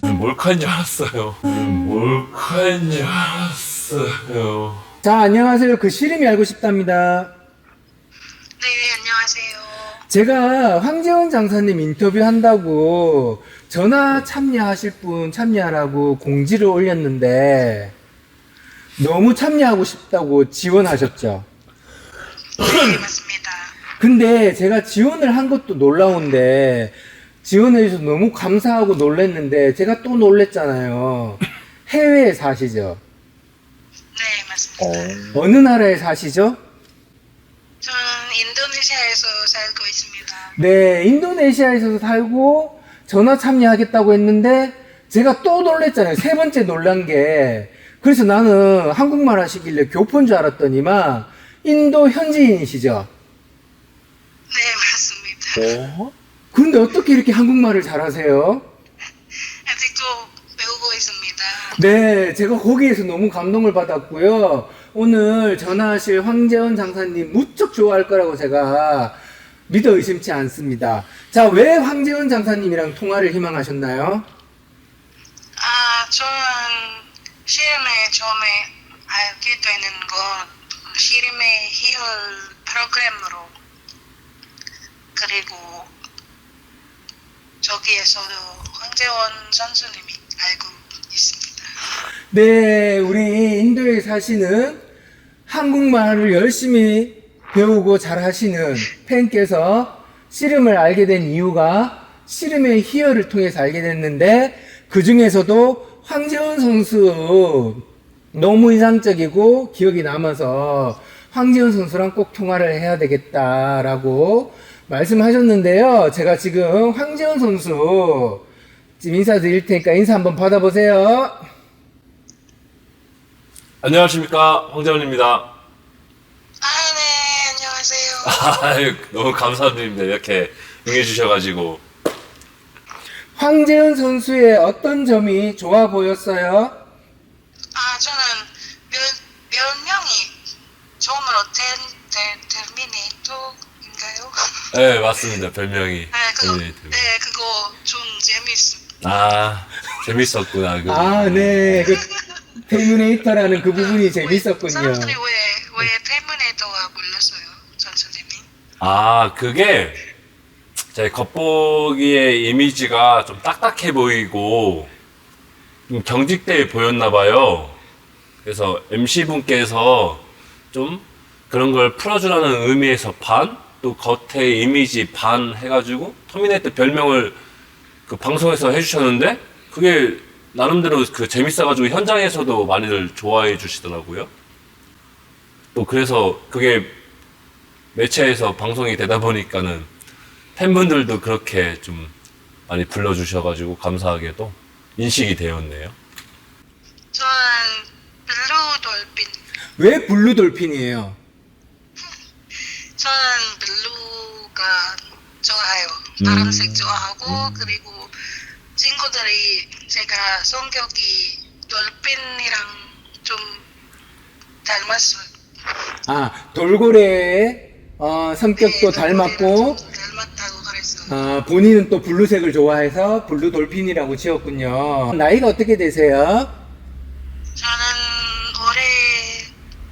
몰카인 줄 알았어요. 몰카인 줄 알았어요. 자, 안녕하세요. 그 시름이 알고 싶답니다. 네, 안녕하세요. 제가 황재원 장사님 인터뷰 한다고 전화 참여하실 분 참여하라고 공지를 올렸는데 너무 참여하고 싶다고 지원하셨죠. 네, 맞습니다. 근데 제가 지원을 한 것도 놀라운데 지원해주셔서 너무 감사하고 놀랬는데 제가 또 놀랬잖아요. 해외에 사시죠? 네, 맞습니다. 어느 나라에 사시죠? 저는 인도네시아에서 살고 있습니다. 네, 인도네시아에서 살고 전화 참여하겠다고 했는데 제가 또 놀랬잖아요. 세 번째 놀란 게. 그래서 나는 한국말 하시길래 교포인 줄 알았더니만 인도 현지인이시죠? 네, 맞습니다. 근데 어떻게 이렇게 한국말을 잘하세요? 아직도 배우고 있습니다. 네, 제가 거기에서 너무 감동을 받았고요. 오늘 전화하실 황재원 장사님 무척 좋아할 거라고 제가 믿어 의심치 않습니다. 자, 왜 황재원 장사님이랑 통화를 희망하셨나요? 저는 시름에 처음에 알게 되는 건 시름의 희열 프로그램으로 그리고 저기에서도 황재원 선수님이 알고 있습니다. 네, 우리 인도에 사시는 한국말을 열심히 배우고 잘 하시는 팬께서 씨름을 알게 된 이유가 씨름의 희열을 통해서 알게 됐는데 그 중에서도 황재원 선수 너무 인상적이고 기억이 남아서 황재원 선수랑 꼭 통화를 해야 되겠다라고 말씀하셨는데요. 제가 지금 황재원 선수 지금 인사드릴 테니까 인사 한번 받아보세요. 안녕하십니까, 황재원입니다. 네, 안녕하세요. 아유, 너무 감사드립니다. 이렇게 응해주셔가지고. 황재현 선수의 어떤 점이 좋아 보였어요? 저는 별명이 처음으로 тер미네이터인가요? 네, 맞습니다. 별명이. 네, 그거, 터미네이터. 네, 그거 좀 재밌어. 재밌었구나. 그거. 아, 네. 그 테르미네이터라는 그 부분이 재밌었군요. 사람들이 왜 테르미네이터가 불렀어요, 선수님이? 그게 제 겉보기의 이미지가 좀 딱딱해 보이고 좀 경직돼 보였나 봐요. 그래서 MC분께서 좀 그런 걸 풀어주라는 의미에서 반, 또 겉의 이미지 반 해가지고 터미네이터 별명을 그 방송에서 해주셨는데 그게 나름대로 그 재밌어가지고 현장에서도 많이들 좋아해 주시더라고요. 또 그래서 그게 매체에서 방송이 되다 보니까는 팬분들도 그렇게 좀 많이 불러주셔가지고 감사하게도 인식이 되었네요. 저는 블루 돌핀. 왜 블루 돌핀이에요? 저는 블루가 좋아해요. 파란색 좋아하고 그리고 친구들이 제가 성격이 돌핀이랑 좀 닮았어요. 돌고래의 성격도 네, 닮았고 좀 닮았다고 그랬어요. 본인은 또 블루색을 좋아해서 블루 돌핀이라고 지었군요. 나이가 어떻게 되세요? 저는 올해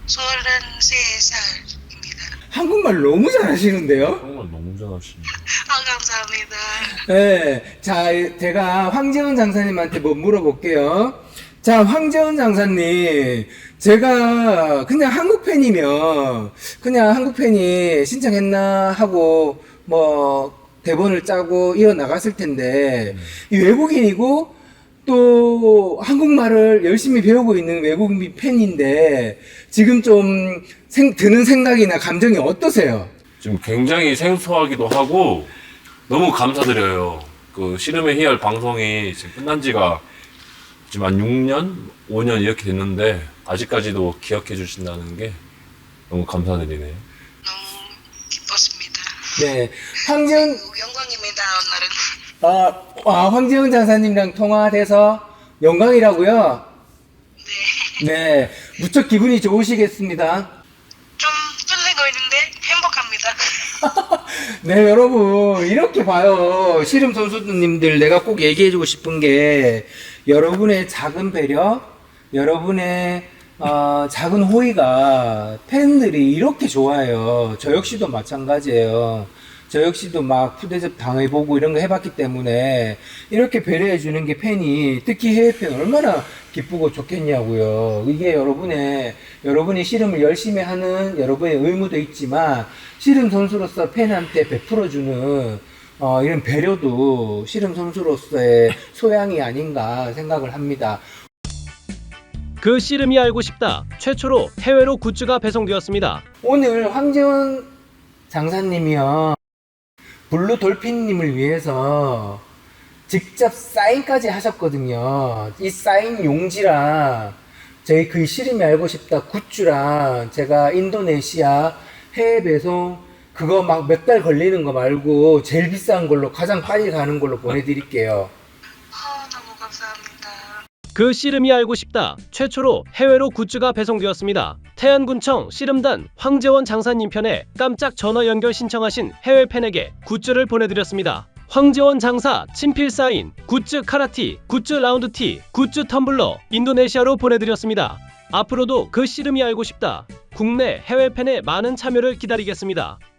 33살입니다. 한국말 너무 잘하시는데요? 정말 너무 잘하시네요. 감사합니다. 네. 자, 제가 황재원 장사님한테 뭐 물어볼게요. 자, 황재원 장사님. 제가 그냥 한국 팬이면 그냥 한국 팬이 신청했나 하고 뭐 대본을 짜고 이어나갔을 텐데 이 외국인이고 또 한국말을 열심히 배우고 있는 외국인 팬인데 지금 좀 드는 생각이나 감정이 어떠세요? 지금 굉장히 생소하기도 하고 너무 감사드려요. 그 씨름의 희열 방송이 지금 끝난 지가 지금 한 6년, 5년 이렇게 됐는데 아직까지도 기억해 주신다는 게 너무 감사드리네요. 너무 기뻤습니다. 네. 황재원, 영광입니다, 오늘은. 황재원 장사님이랑 통화돼서 영광이라고요? 네. 네. 무척 기분이 좋으시겠습니다. 좀 떨리고 있는데 행복합니다. 네, 여러분, 이렇게 봐요. 씨름 선수님들, 내가 꼭 얘기해주고 싶은 게, 여러분의 작은 배려, 여러분의 작은 호의가 팬들이 이렇게 좋아해요. 저 역시도 마찬가지예요. 저 역시도 막 푸대접 당해보고 이런 거 해봤기 때문에 이렇게 배려해주는 게 팬이, 특히 해외 팬 얼마나 기쁘고 좋겠냐고요. 이게 여러분이 씨름을 열심히 하는 여러분의 의무도 있지만, 씨름 선수로서 팬한테 베풀어주는 이런 배려도 씨름 선수로서의 소양이 아닌가 생각을 합니다. 그 씨름이 알고 싶다. 최초로 해외로 굿즈가 배송되었습니다. 오늘 황재원 장사님이요, 블루 돌핀님을 위해서 직접 사인까지 하셨거든요. 이 사인 용지랑 저희 그 씨름이 알고 싶다 굿즈랑 제가 인도네시아 해외 배송 그거 막 몇 달 걸리는 거 말고 제일 비싼 걸로, 가장 빨리 가는 걸로 보내드릴게요. 너무 감사합니다. 그 씨름이 알고 싶다. 최초로 해외로 굿즈가 배송되었습니다. 태안군청 씨름단 황재원 장사님 편에 깜짝 전화 연결 신청하신 해외 팬에게 굿즈를 보내드렸습니다. 황재원 장사 친필 사인, 굿즈 카라티, 굿즈 라운드티, 굿즈 텀블러 인도네시아로 보내드렸습니다. 앞으로도 그 씨름이 알고 싶다. 국내 해외 팬의 많은 참여를 기다리겠습니다.